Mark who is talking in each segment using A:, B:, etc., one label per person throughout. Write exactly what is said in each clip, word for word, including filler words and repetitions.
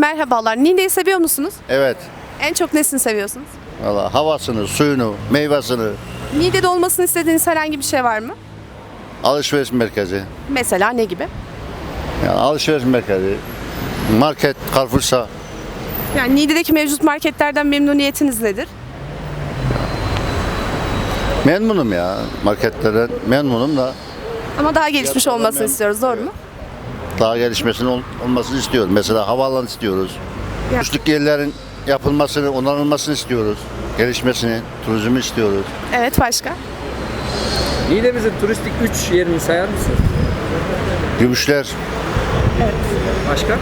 A: Merhabalar. Niğde'yi seviyor musunuz?
B: Evet.
A: En çok nesini seviyorsunuz?
B: Valla havasını, suyunu, meyvasını,
A: Niğde'de olmasını istediğiniz herhangi bir şey var mı?
B: alışveriş merkezi.
A: Mesela ne gibi?
B: Yani alışveriş merkezi, market, Carrefour'sa
A: Yani Niğde'deki mevcut marketlerden memnuniyetiniz nedir?
B: memnunum ya. Marketlerden memnunum da
A: Ama daha gelişmiş
B: Fiyatlardan
A: olmasını
B: memnun-
A: istiyoruz, doğru mu?
B: daha gelişmesinin ol- olmasını istiyoruz. Mesela havaalanı istiyoruz.
A: Ya.
B: Uçtuk yerlerin yapılmasını, onarılmasını istiyoruz. Gelişmesini, turizmi istiyoruz.
A: Evet, başka?
C: Niğde'mizin turistik üç yerini sayar mısınız?
B: Gümüşler,
C: Başka?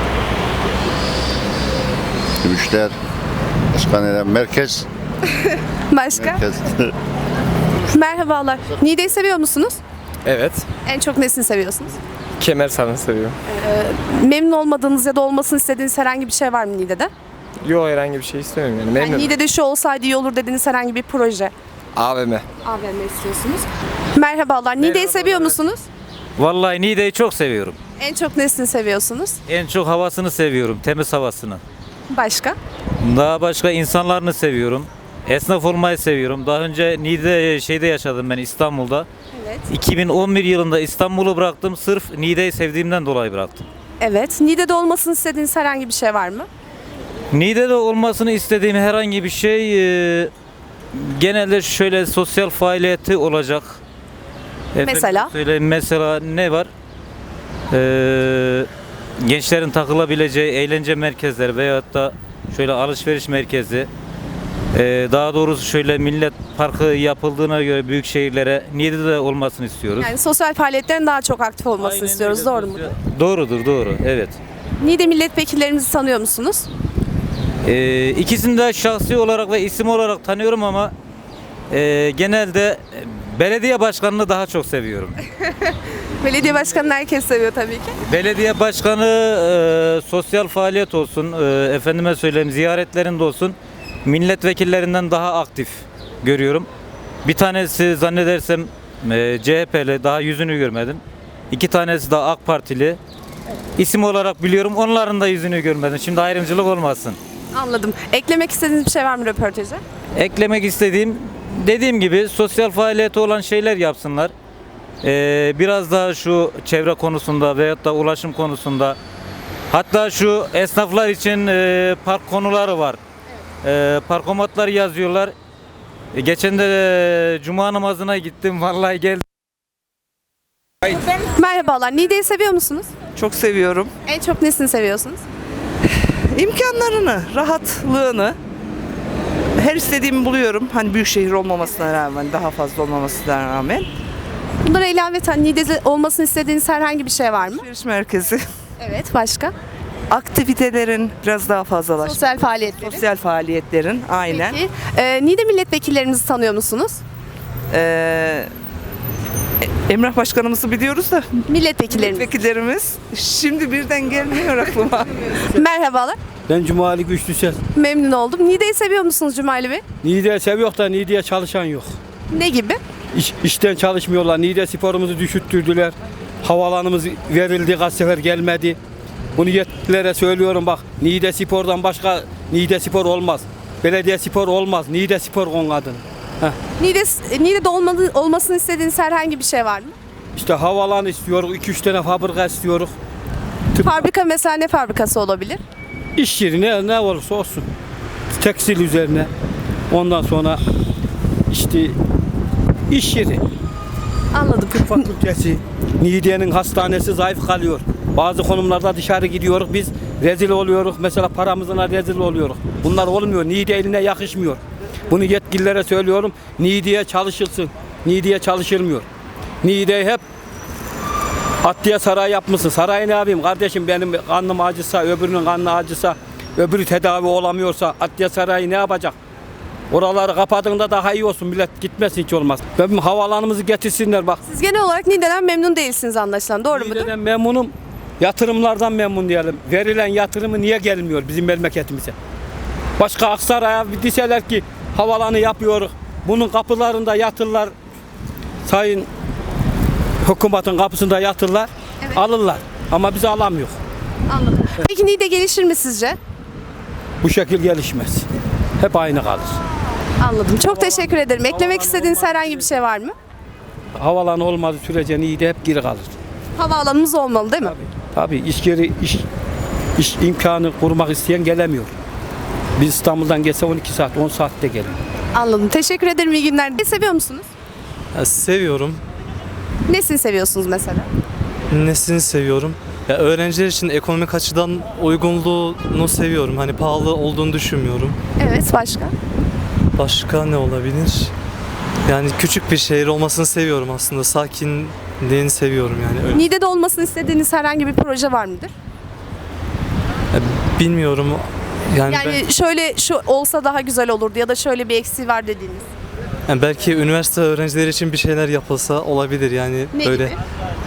B: gümüşler, başka neler? Merkez,
A: Başka?
B: merkez.
A: Merhabalar. Niğde'yi seviyor musunuz?
D: Evet.
A: En çok nesini seviyorsunuz?
D: Kemer sanatı seviyorum.
A: Memnun olmadığınız ya da olmasını istediğiniz herhangi bir şey var mı Niğde'de?
D: Yo herhangi bir şey istemiyorum yani.
A: Yani
D: Memnunum.
A: Niğde'de şu olsaydı iyi olur dediğiniz herhangi bir proje.
D: A V M.
A: A V M istiyorsunuz. Merhabalar. Niğde'yi seviyor musunuz?
E: Vallahi Niğde'yi çok seviyorum.
A: En çok nesini seviyorsunuz?
E: En çok havasını seviyorum, temiz havasını.
A: Başka?
E: Daha başka insanlarını seviyorum. Esnaf olmayı seviyorum. Daha önce Niğde şeyde yaşadım ben, İstanbul'da.
A: Evet.
E: iki bin on bir yılında İstanbul'u bıraktım. Sırf Niğde'yi sevdiğimden dolayı bıraktım.
A: Evet. Niğde'de olmasını istediğiniz herhangi bir şey var mı?
E: Niğde'de olmasını istediğim herhangi bir şey e, genelde şöyle sosyal faaliyeti olacak. Efendim
A: Mesela?
E: söyleyeyim, mesela ne var? Ee, gençlerin takılabileceği eğlence merkezleri veyahut da şöyle alışveriş merkezi. Ee, daha doğrusu şöyle millet parkı yapıldığına göre büyük şehirlere Niğde'de olmasını istiyoruz.
A: Yani sosyal faaliyetlerin daha çok aktif olmasını
E: Aynen
A: istiyoruz.
E: öyle.
A: Doğru mu?
E: Doğrudur, doğru. Evet.
A: Niğde milletvekillerinizi tanıyor musunuz?
E: Ee, ikisini de şahsi olarak ve isim olarak tanıyorum ama e, genelde belediye başkanını daha çok seviyorum.
A: Belediye başkanını herkes seviyor tabii ki.
E: Belediye başkanı e, sosyal faaliyet olsun, e, efendime söyleyeyim ziyaretlerinde olsun, milletvekillerinden daha aktif görüyorum. Bir tanesi zannedersem e, C H P'li, daha yüzünü görmedim. İki tanesi de AK Partili. İsim olarak biliyorum, onların da yüzünü görmedim. Şimdi ayrımcılık olmasın.
A: Anladım. Eklemek istediğiniz bir şey var mı röportaja?
E: Eklemek istediğim, dediğim gibi sosyal faaliyeti olan şeyler yapsınlar. Ee, biraz daha şu çevre konusunda veyahut da ulaşım konusunda, hatta şu esnaflar için e, park konuları var. E, parkomatlar yazıyorlar. E, geçen de e, cuma namazına gittim, vallahi geldim.
A: Merhabalar. Niğde'yi seviyor musunuz?
F: Çok seviyorum.
A: En çok nesini seviyorsunuz?
F: İmkanlarını, rahatlığını her istediğimi buluyorum. Hani büyük şehir olmamasına rağmen, daha fazla olmamasına rağmen.
A: Bunlara ilaveten Niğde'de olmasını istediğiniz herhangi bir şey var mı?
F: Alışveriş merkezi,
A: Evet. Başka?
F: aktivitelerin biraz daha fazlalaşması.
A: Sosyal faaliyetleri.
F: Sosyal faaliyetlerin, aynen.
A: Peki. Ee, Niğde milletvekillerinizi tanıyor musunuz?
F: Ee, Emrah Başkanımızı biliyoruz da
A: Milletvekilleriniz.
F: milletvekillerimiz şimdi birden gelmiyor aklıma.
A: Merhabalar.
G: Ben Cumali Güçlü Ses.
A: Memnun oldum. Niğde'yi seviyor musunuz Cumali Bey?
G: Niğde seviyor da Niğde'ye çalışan yok.
A: Ne gibi?
G: İş, işten çalışmıyorlar. Niğde sporumuzu düşürttürdüler. Havalanımız verildi, kaç sefer gelmedi. Bunu yetkililere söylüyorum bak. Niğde spordan başka Niğde spor olmaz. Belediye spor olmaz. Niğde spor onun adını. Heh.
A: Niğde, Niğde'de olmadı, olmasını istediğiniz herhangi bir şey var mı?
G: İşte havalan istiyoruz. iki üç tane fabrika istiyoruz.
A: Fabrika mesela ne fabrikası olabilir?
G: İş yeri ne, ne olursa olsun. Tekstil üzerine. Ondan sonra işte iş yeri.
A: Anladım.
G: Tıp fakültesi, Niğde'nin hastanesi zayıf kalıyor. Bazı konumlarda dışarı gidiyoruz, biz rezil oluyoruz. Mesela paramızla rezil oluyoruz. Bunlar olmuyor. Niğde eline yakışmıyor. Bunu yetkililere söylüyorum. Niğde'ye çalışılsın. Niğde'ye çalışılmıyor. Niğde'ye hep Atlıya saray yapmışsın. Sarayı ne yapayım kardeşim, benim karnım acısa, öbürünün karnı acısa, öbürü tedavi olamıyorsa Atlıya sarayı ne yapacak? Oraları kapadığında daha iyi olsun, millet gitmesin hiç olmaz. Benim havalanımızı getirsinler bak.
A: Siz genel olarak Niğde'den memnun değilsiniz anlaşılan. Doğru mudur?
G: Niğde'den memnunum. Yatırımlardan memnun diyelim. Verilen yatırımı niye gelmiyor bizim memleketimize? Başka Aksaray'a bir deseler ki havalanı yapıyoruz. Bunun kapılarında yatırlar. Sayın hükümetin kapısında yatırlar.
A: Evet.
G: Alırlar. Ama biz alamıyor.
A: Anladım. Peki Niğde gelişir mi sizce?
G: Bu şekil gelişmez. Hep aynı kalır.
A: Anladım. Çok teşekkür ederim. Eklemek istediğiniz herhangi bir şey var mı?
G: Havalanı olmadığı sürece Niğde hep geri kalır.
A: Havaalanımız olmalı değil mi?
G: Tabii iş yeri, iş, iş imkanı kurmak isteyen gelemiyor. Biz İstanbul'dan geçse on iki saat, on saatte gelir.
A: Anladım. Teşekkür ederim. İyi günler. Ne seviyor musunuz?
H: Ya seviyorum.
A: Nesini seviyorsunuz mesela?
H: Nesini seviyorum? Ya öğrenciler için ekonomik açıdan uygunluğunu seviyorum. Hani pahalı olduğunu düşünmüyorum.
A: Evet, başka?
H: Başka ne olabilir? Yani küçük bir şehir olmasını seviyorum aslında. Sakinliğini seviyorum yani. Öyle.
A: Niğde'de olmasını istediğiniz herhangi bir proje var mıdır?
H: Ya bilmiyorum. Yani,
A: Yani şöyle şu olsa daha güzel olurdu ya da şöyle bir eksiği var dediğiniz.
H: ben- yani belki üniversite öğrencileri için bir şeyler yapılsa olabilir yani
A: Ne
H: böyle.
A: gibi?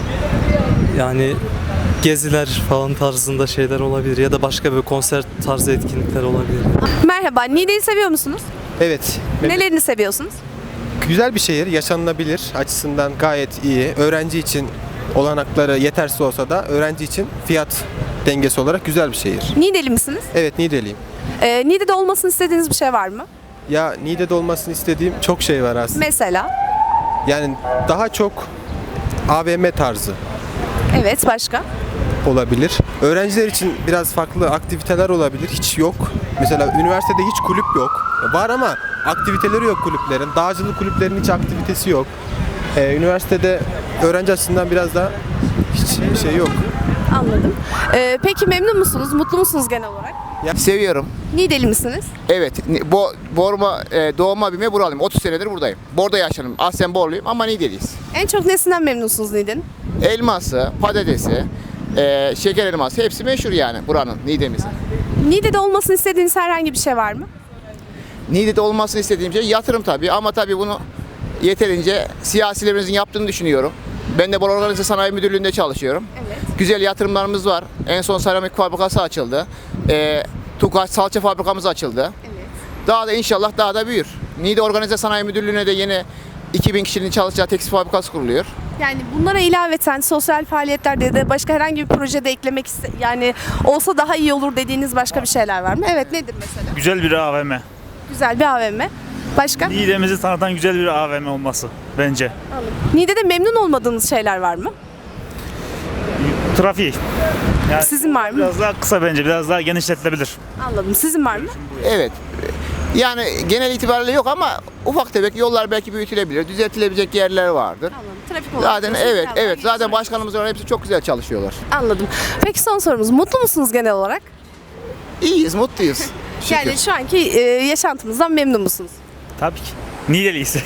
H: Yani geziler falan tarzında şeyler olabilir ya da başka bir konser tarzı etkinlikler olabilir.
A: Merhaba. Niğde'yi seviyor musunuz?
I: Evet.
A: Nelerini seviyorsunuz?
I: Güzel bir şehir, yaşanılabilir açısından gayet iyi. Öğrenci için olanakları yetersiz olsa da öğrenci için fiyat dengesi olarak güzel bir şehir.
A: Niğdeli misiniz?
I: Evet, Niğdeliyim.
A: Ee, Niğde'de olmasını istediğiniz bir şey var mı?
I: Ya Niğde'de olmasını istediğim çok şey var aslında.
A: Mesela?
I: Yani daha çok A V M tarzı
A: Evet, başka?
I: olabilir. Öğrenciler için biraz farklı aktiviteler olabilir. Hiç yok. Mesela üniversitede hiç kulüp yok. Var ama aktiviteleri yok kulüplerin. Dağcılık kulüplerinin hiç aktivitesi yok. Ee, üniversitede öğrenci açısından biraz daha hiç şey yok.
A: Anladım. Ee, peki memnun musunuz? Mutlu musunuz genel olarak?
J: Seviyorum.
A: Niğdeli misiniz?
J: Evet. Bo Borma e, doğma büyüme buralıyım. otuz senedir buradayım. Borda yaşadım. Aslen Borluyum ama Niğdeliyiz.
A: En çok nesinden memnunsunuz Niğde'nin?
J: Elması, patatesi, e, şeker elması hepsi meşhur yani buranın, Niğde'mizin.
A: Niğde'de olmasını istediğiniz herhangi bir şey var mı?
J: Niğde'de olmasını istediğim şey yatırım tabii ama tabii bunu yeterince siyasilerimizin yaptığını düşünüyorum. Ben de Bor Organize Sanayi Müdürlüğü'nde çalışıyorum.
A: Evet.
J: Güzel yatırımlarımız var. En son seramik fabrikası açıldı. E, Tukaç salça fabrikamız açıldı.
A: Evet.
J: Daha da inşallah daha da büyür. Niğde Organize Sanayi Müdürlüğü'ne de yeni iki bin kişinin çalışacağı tekstil fabrikası kuruluyor.
A: Yani bunlara ilaveten sosyal faaliyetlerde ya da başka herhangi bir projede eklemek iste yani olsa daha iyi olur dediğiniz başka bir şeyler var mı? Evet, nedir mesela?
K: Güzel bir A V M.
A: Güzel bir A V M. Başka?
K: Niğde'mizi tanıtan güzel bir A V M olması bence.
A: Niğde'de memnun olmadığınız şeyler var mı?
K: Trafiği. Yani
A: Sizin var mı?
K: biraz daha kısa bence, biraz daha genişletilebilir.
A: Anladım. Sizin var mı?
J: Evet. Yani genel itibariyle yok ama ufak tefek yollar belki büyütülebilir, düzeltilebilecek yerler vardır.
A: Anladım. Trafik olarak
J: Zaten
A: diyorsunuz,
J: evet,
A: biraz daha
J: evet. Zaten
A: geliştirmek.
J: başkanımız var, hepsi çok güzel çalışıyorlar.
A: Anladım. Peki son sorumuz. Mutlu musunuz genel olarak?
J: İyiyiz, mutluyuz. Şükür.
A: Yani şu anki e, yaşantımızdan memnun musunuz?
K: Tabii ki. Niğdeliyiz.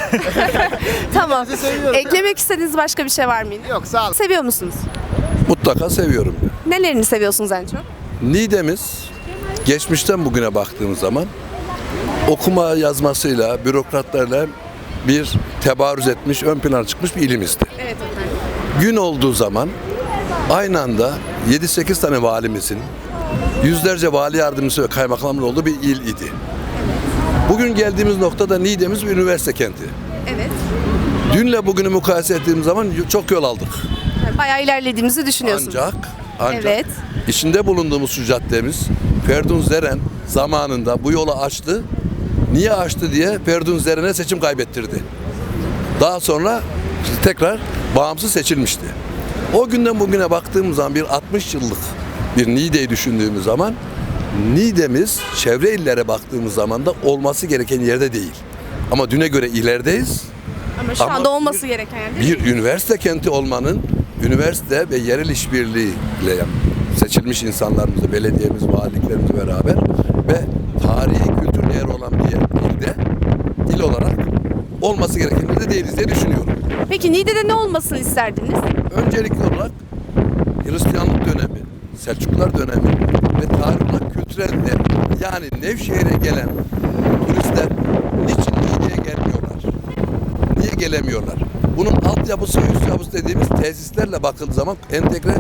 A: Tamam. Eklemek istediğiniz başka bir şey var mıydı?
J: Yok, sağ olun.
A: Seviyor musunuz?
L: Mutlaka seviyorum.
A: Nelerini seviyorsunuz en çok?
L: Niğde'miz geçmişten bugüne baktığımız zaman okuma yazmasıyla, bürokratlarla bir tebarüz etmiş, ön plana çıkmış bir ilimizdi.
A: Evet efendim.
L: Gün olduğu zaman aynı anda yedi sekiz tane valimizin, yüzlerce vali yardımcısı ve kaymakamın olduğu bir il idi. Bugün geldiğimiz noktada Niğde'miz bir üniversite kenti.
A: Evet.
L: Dünle bugünü mukayese ettiğimiz zaman çok yol aldık.
A: Yani bayağı ilerlediğimizi düşünüyorsunuz.
L: Ancak, ancak
A: Evet.
L: içinde bulunduğumuz şu caddemiz Ferdun Zeren zamanında bu yolu açtı. Niye açtı diye Ferdun Zeren'e seçim kaybettirdi. Daha sonra tekrar bağımsız seçilmişti. O günden bugüne baktığımız zaman bir altmış yıllık bir Niğde'yi düşündüğümüz zaman Niğde'miz çevre illere baktığımız zaman da olması gereken yerde değil. Ama düne göre ilerideyiz.
A: Ama şu
L: Ama
A: anda olması
L: bir-
A: gereken yer değil mi?
L: Bir üniversite kenti olmanın üniversite ve yerel işbirliğiyle seçilmiş insanlarımızla, belediyemiz, valiliklerimizle beraber ve tarihi kültür değeri olan bir yer, ilde, il olarak olması gereken yerde değiliz diye düşünüyorum.
A: Peki Niğde'de ne olmasını isterdiniz?
L: Öncelikli olarak Hristiyanlık dönemi, Selçuklular dönemi ve tarih olarak kültürel de yani Nevşehir'e gelen turistler niçin Niğde'ye gelmiyorlar? Niye gelemiyorlar? Bunun altyapısı, üst yapısı dediğimiz tesislerle bakıldığı zaman entegre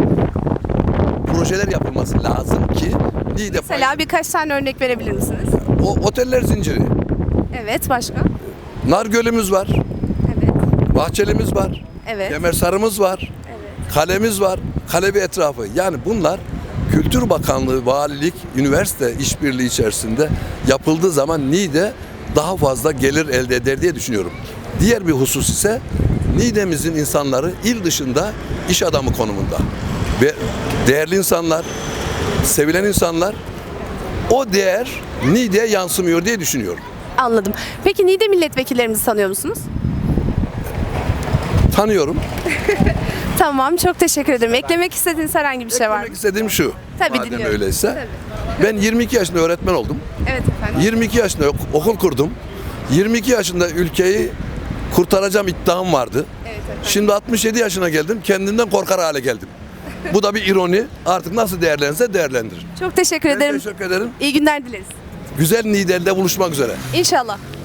L: projeler yapılması lazım ki Niğde
A: Mesela birkaç tane örnek verebilir misiniz?
L: o oteller zinciri.
A: Evet, başka?
L: Nargölümüz var,
A: Evet.
L: Bahçelimiz var,
A: Evet.
L: Kemersarımız var, kalemiz var, kale ve etrafı. Yani bunlar Kültür Bakanlığı, valilik, üniversite işbirliği içerisinde yapıldığı zaman Niğde daha fazla gelir elde eder diye düşünüyorum. Diğer bir husus ise Niğde'mizin insanları il dışında iş adamı konumunda. Ve değerli insanlar, sevilen insanlar, o değer Niğde'ye yansımıyor diye düşünüyorum.
A: Anladım. Peki Niğde milletvekillerimizi tanıyor musunuz?
L: Tanıyorum.
A: Tamam, çok teşekkür ederim. Eklemek istediğiniz herhangi bir şey var mı?
L: Demek istediğim şu.
A: Tabii,
L: madem
A: dinliyorum.
L: öyleyse.
A: Tabii.
L: Ben yirmi iki yaşında öğretmen oldum.
A: Evet efendim.
L: yirmi iki yaşında ok- okul kurdum. yirmi iki yaşında ülkeyi kurtaracağım iddiam vardı.
A: Evet efendim.
L: Şimdi altmış yedi yaşına geldim. Kendimden korkar hale geldim. Bu da bir ironi. Artık nasıl değerlenirse değerlendirir.
A: Çok teşekkür
L: Ben
A: ederim.
L: teşekkür ederim.
A: İyi günler dileriz.
L: Güzel Niğde'de buluşmak üzere.
A: İnşallah.